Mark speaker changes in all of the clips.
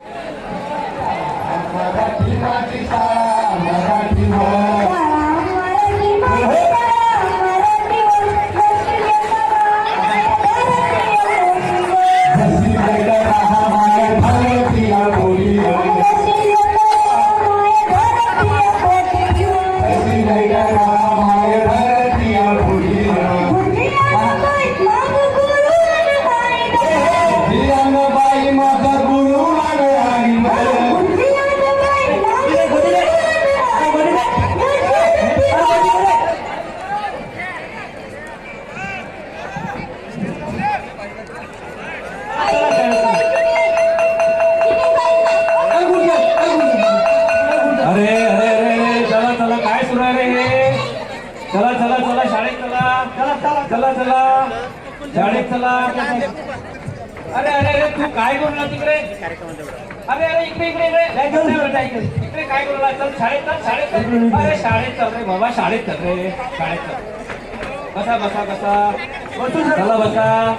Speaker 1: शाळेत चला. अरे अरे अरे तू काय करू तिकडे? अरे अरे इकडे इकडे इकडे काय करू? चल शाळेत चल, शाळेत चल. अरे शाळेत चल रे बाबा, शाळेत चल रे, शाळेत चल. बसा बसा बसा, चला बसा.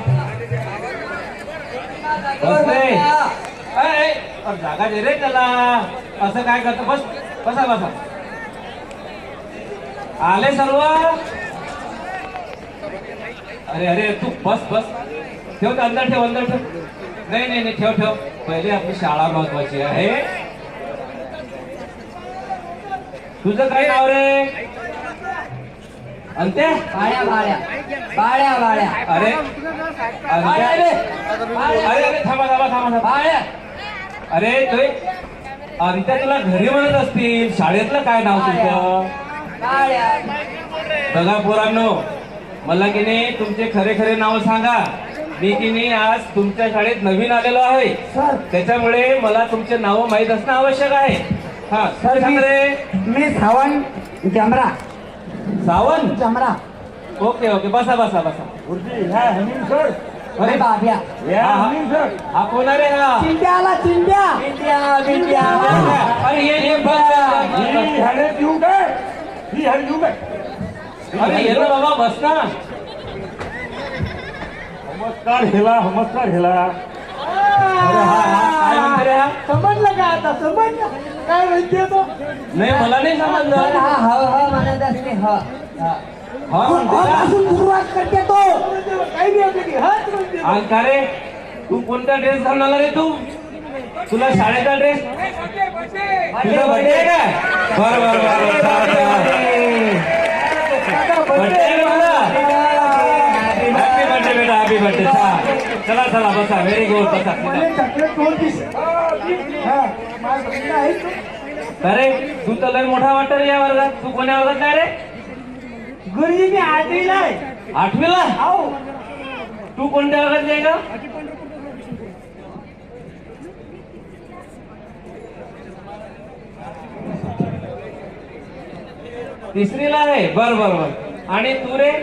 Speaker 1: बस रे. अरे जागा दे रे त्याला. असं काय करतो? बस बसा बसा. आले सर्व? अरे अरे तू बस बस. ठेव अंदर ठेव, अंदर ठेव. नाही नाही नाही, ठेव ठेव. पहिले आपली शाळा महत्वाची आहे. तुझं काय नाव रे? अंत्या?
Speaker 2: बाळ्या बाळ्या बाळ्या बाळ्या.
Speaker 1: अरे अंत्या रे. अरे अरे थांबा थांबा थांबा.
Speaker 2: बाळ्या.
Speaker 1: अरे तुझे अंत्या तुला घरी म्हणत असतील. शाळेतलं काय नाव तुझं?
Speaker 2: बाळ्या.
Speaker 1: बघा पोरांनो, मला की नाही तुमचे खरे खरे नाव सांगा. मी की नाही आज तुमच्या शाळेत नवीन आलेलो आहे, त्याच्यामुळे मला तुमचे नाव माहीत असणं आवश्यक आहे. हा सर सांग रे.
Speaker 2: मी सावंत जमरा.
Speaker 1: सावंत
Speaker 2: जमरा.
Speaker 1: ओके ओके, बसा बसा बसा.
Speaker 2: अरे बाब्या.
Speaker 1: हा कोण आहे रे? हा
Speaker 2: चिंट्या आला. चिंट्या चिंट्या चिंट्या.
Speaker 1: अरे ये अरे ये ना बाबा, बस ना.
Speaker 3: नमस्कार हेला, नमस्कार हेला.
Speaker 1: अरे हा काय म्हणते रे? हा
Speaker 2: समजलं का आता? समजलं काय म्हणते तो?
Speaker 1: नाही मला नाही समजलं.
Speaker 2: हा हा हा म्हणत असते. हा
Speaker 1: हा म्हणते का?
Speaker 2: सुरुवात करते तो. काही नाही.
Speaker 1: आणि का रे, तू कोणता ड्रेस घालून आला रे? तुला शाळेचा ड्रेस? तुझा बर्थडे आहे का? बर बर बर. हॅपी बर्थडे बेटा, हॅपी बर्थडे. चला चला बसा. व्हेरी गुड, बसा. अरे तू तर लय मोठा वाटत या वर्गात. तू कोण्या वर्गात नाही रे?
Speaker 2: गुरुजी मी 8वीला आहे.
Speaker 1: 8वीला?
Speaker 2: हो.
Speaker 1: तू कोणत्या वर्गात आहे का? तिसरीला आहे. बर बर बर. आणि तू रे?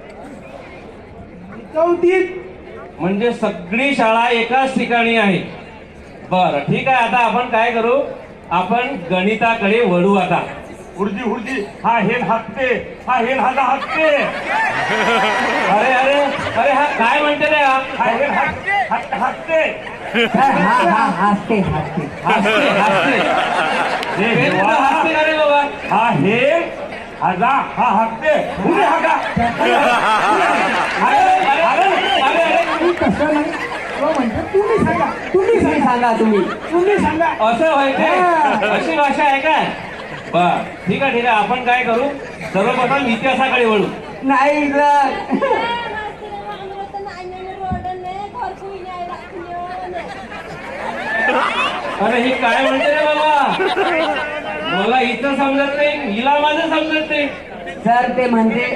Speaker 2: 4थीत.
Speaker 1: म्हणजे सगळी शाळा एकाच ठिकाणी आहे. बर ठीक आहे. आता आपण काय करू? आपण गणिताकडे वळू आता.
Speaker 3: हुर्जी हुर्जी. हा हेन हाकते, हा हेन हागा हाकते.
Speaker 1: अरे अरे अरे हा काय म्हणते रे?
Speaker 3: हा हेन हाकते.
Speaker 2: हा हा हसते हसते.
Speaker 1: हसते हसते. हे तुला हसते का रे बाबा?
Speaker 3: हा हेन हागा, हा हाकते. हुर्जी हागा.
Speaker 1: अरे अरे अरे अरे
Speaker 2: तसं नाही. तो म्हणतो तुम्ही सांगा. तुम्ही सांगा. तुम्ही सांगा.
Speaker 1: असं व्हायचं? अशी भाषा आहे काय? बर ठीक आहे ठीक आहे. आपण काय करू? सर्वप्रथम इतिहासाकडे वळू.
Speaker 2: नाही
Speaker 1: अरे ही काय म्हणते रे बाबा? मला हिचं समजत नाही, हिला माझं समजत नाही.
Speaker 2: सर ते म्हणते.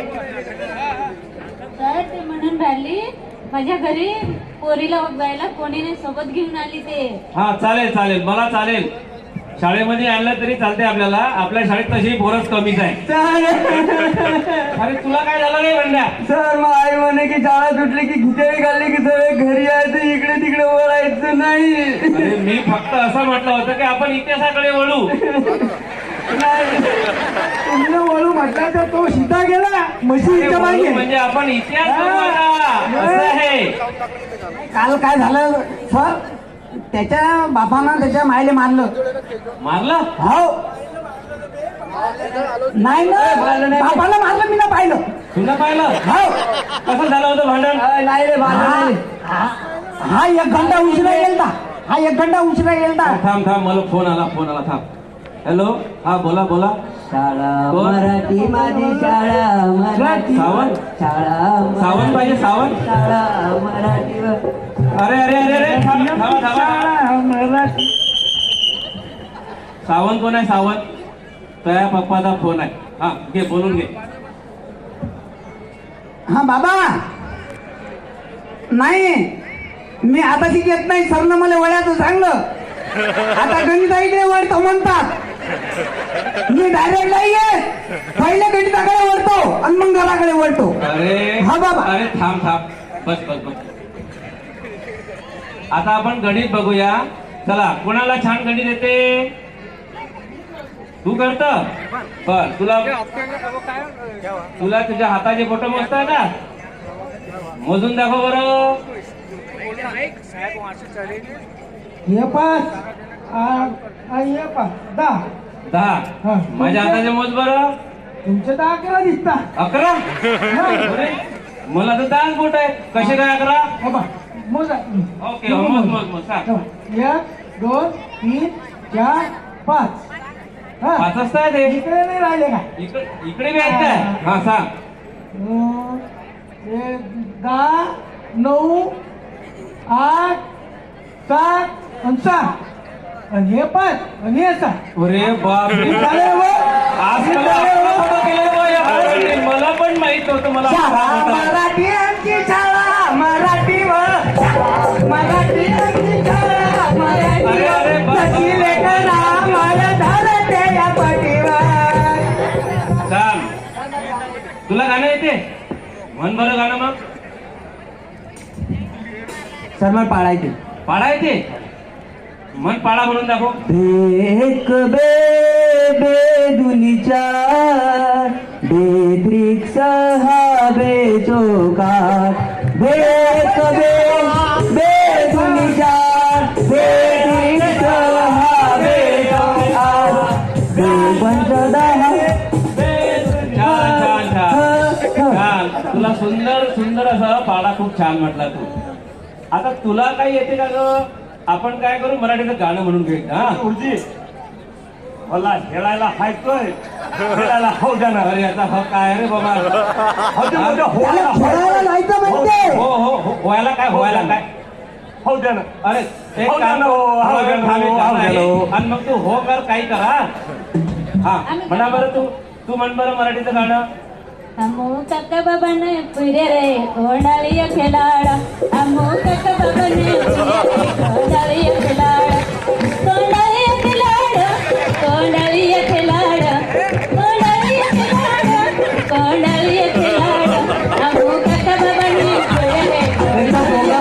Speaker 4: सर ते म्हणून राहिली माझ्या घरी पोरीला बघायला कोणी नाही, सोबत घेऊन आली ते.
Speaker 1: हा चालेल चालेल, मला चालेल. शाळेमध्ये आणलं तरी चालते आपल्याला. आपल्या शाळेत तशी पोरच कमीच आहे. अरे तुला काय झालं नाही म्हणल्या?
Speaker 2: सर मग आई म्हणे की शाळा सुटली की खिचडी खाल्ली की सगळे घरी यायचं, इकडे तिकडे वळायचं नाही.
Speaker 1: अरे मी फक्त असं म्हटलं होतं की आपण इतिहासाकडे वळू.
Speaker 2: तुम्ही वळू म्हटलं तर तो सीता गेला म्हशीच्या मागे.
Speaker 1: म्हणजे आपण इतिहास करू आता. असं आहे.
Speaker 2: काल काय झालं सर? त्याच्या बापानं त्याच्या मायले मारलं.
Speaker 1: मारलं
Speaker 2: हो नाही ना बापाला मारलं मी ना पाहिलं.
Speaker 1: तुला पाहिलं
Speaker 2: हो
Speaker 1: कसं झालं होतं भांडण
Speaker 2: नाही रे हा 1 घंटा उशिरा गेलता. हा 1 घंटा उशिरा गेलता.
Speaker 1: थांब मला फोन आला थांब. हॅलो हा बोला
Speaker 2: शाळा
Speaker 1: कोण?
Speaker 2: मराठी माझी शाळा मराठी
Speaker 1: सावंत?
Speaker 2: शाळा
Speaker 1: सावंत पाहिजे सावंत.
Speaker 2: शाळा मराठी
Speaker 1: अरे थांबा.
Speaker 2: मराठी.
Speaker 1: सावंत कोण आहे सावंत? त्या पप्पाचा फोन आहे. हा घे बोलून घे.
Speaker 2: हा बाबा नाही मी आता येत नाही. सरनं मला वळ्याचं सांगलं. आता गणिताईकडे वळतो म्हणतात. मी डायरेक्ट नाही येत. पहिले गणिताकडे वळतो आणि मग घराकडे वळतो.
Speaker 1: अरे
Speaker 2: हा बाबा.
Speaker 1: अरे थांब बस आता आपण गणित बघूया. चला कोणाला छान गणित येते? तू करत बर. तुला तुझ्या हाताचे फोटो मोजता का? मोजून दाखव बरं.
Speaker 2: हे 5 हे 5 10.
Speaker 1: 10. माझ्या हाताचे मोज बरं.
Speaker 2: तुमचे 10 11 दिसता.
Speaker 1: 11. अरे, मला तर 10 बोट आहे. कसे काय 11?
Speaker 2: मोजा.
Speaker 1: ओके मोज सांग.
Speaker 2: 1 2 3 4 5.
Speaker 1: 5 असताय ते
Speaker 2: इकडे नाही राहिले का?
Speaker 1: इकडे बी आहेत काय? हा सांग.
Speaker 2: 10 9 8 7 आणि 6 आणि हे 5 आणि हे 6.
Speaker 1: अरे बापरे आज मला पण माहित होतं. मला
Speaker 2: मराठी आमची शाळा मराठी मराठी आमची शाळा
Speaker 1: अरे,
Speaker 2: मराठी लेकरा मला धरते या पाठीवर.
Speaker 1: सांग तुला गाणं येते? म्हण बरं गाणं मग.
Speaker 2: सर मला पाळायचे.
Speaker 1: पाडा येते? म्हण पाडा म्हणून दाखव.
Speaker 2: एक बे दुनी 4 बे त्रिक 6 बे चौकार एक बे दुनी 4 बे त्रिक 6 बे चौकार बे पंच 10.
Speaker 1: छान. तुला सुंदर असा पाडा खूप छान म्हटला तू. आता तुला काही येते का ग? आपण काय करू मराठीचं गाणं म्हणून घेऊ. हा
Speaker 3: गुरुजी मला खेळायला हायतोय. खेळायला हो जाणार.
Speaker 1: अरे याचा हक काय रे बाबा?
Speaker 2: खेळायला जायचं म्हणते.
Speaker 1: हो व्हायला काय
Speaker 3: हो जाणार.
Speaker 1: अरे एक
Speaker 3: हो
Speaker 1: गाणं
Speaker 3: जाणं, हो
Speaker 1: थांब,
Speaker 3: जाणं,
Speaker 1: एक
Speaker 3: हो
Speaker 1: गाणं आहे.
Speaker 3: जाणं.
Speaker 1: आणि मग तू हो कर काही करा. हा म्हणा बरं तू म्हण बरं मराठीचं गाणं.
Speaker 4: अमो काका बाबाने पुरे रे कोंडाळी खेळाडा. अमो काका बाबाने कोंडाळी खेळाडा. कोंडाळी खेळाडा कोंडाळी खेळाडा कोंडाळी खेळाडा कोंडाळी खेळाडा. अमो काका बाबाने पुरे रे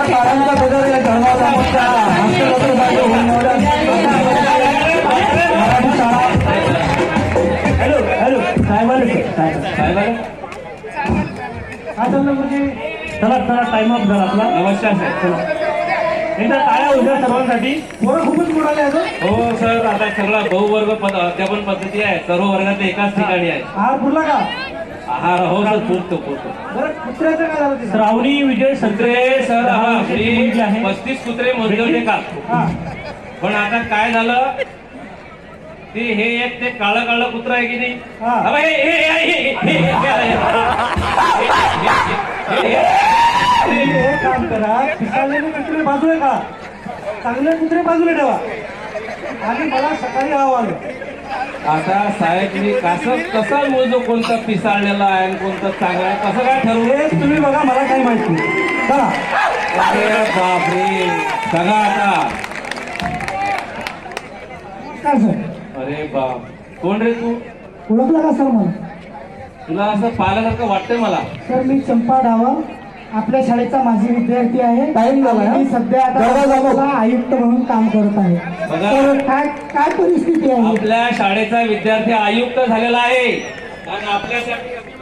Speaker 3: हॅलो काय बरं चला टाइम अप झाला आपला.
Speaker 1: नमस्कार सर.
Speaker 3: चला एकदा टाळ्या उद्या सर्वांसाठी.
Speaker 2: पोरं खूपच बुडाले अजून.
Speaker 1: हो सर आता सगळा बहुवर्ग अध्यापन पद्धती आहे. सर्व वर्गात एकाच ठिकाणी आहे.
Speaker 2: आहार पुरला का?
Speaker 1: आहार हो सर पुरतो.
Speaker 2: बरं कुत्र्याचं काय झालं ते?
Speaker 3: श्रावणी विजय
Speaker 1: कुत्रे सर हा
Speaker 3: मुलगी आहे.
Speaker 1: 35 कुत्रे मोजले होते का?
Speaker 2: हा.
Speaker 1: पण आता काय झालं ते हे एक ते काळं कुत्र आहे की नाही?
Speaker 2: हा.
Speaker 1: अबे,
Speaker 2: हे काम करा. पिसाळलेले कुत्रे बाजूला का? चांगले कुत्रे बाजूला ठेवा. आणि मला सकाळी आलं.
Speaker 1: आता साहेब मी कसं मोजू कोणतं पिसाळलेलं आहे आणि कोणतं चांगलं आहे? कसं काय ठरवू?
Speaker 2: हे तुम्ही बघा मला काही माहित नाही. चला
Speaker 1: अरे बापरे सगळं आता.
Speaker 2: काय सर?
Speaker 1: अरे बाप कोण रे तू?
Speaker 2: ओळखला का सर मला?
Speaker 1: तुला असं पाहिल्यासारखं वाटतंय मला.
Speaker 2: सर मी चंपा डावा आपल्या शाळेचा माजी विद्यार्थी आहे. टाइम झाला. मी सध्या आता आयुक्त म्हणून काम करत आहे.
Speaker 1: बघा.
Speaker 2: तर काय परिस्थिती आहे?
Speaker 1: आपल्या शाळेचा विद्यार्थी आयुक्त झालेला आहे आणि आपल्यासाठी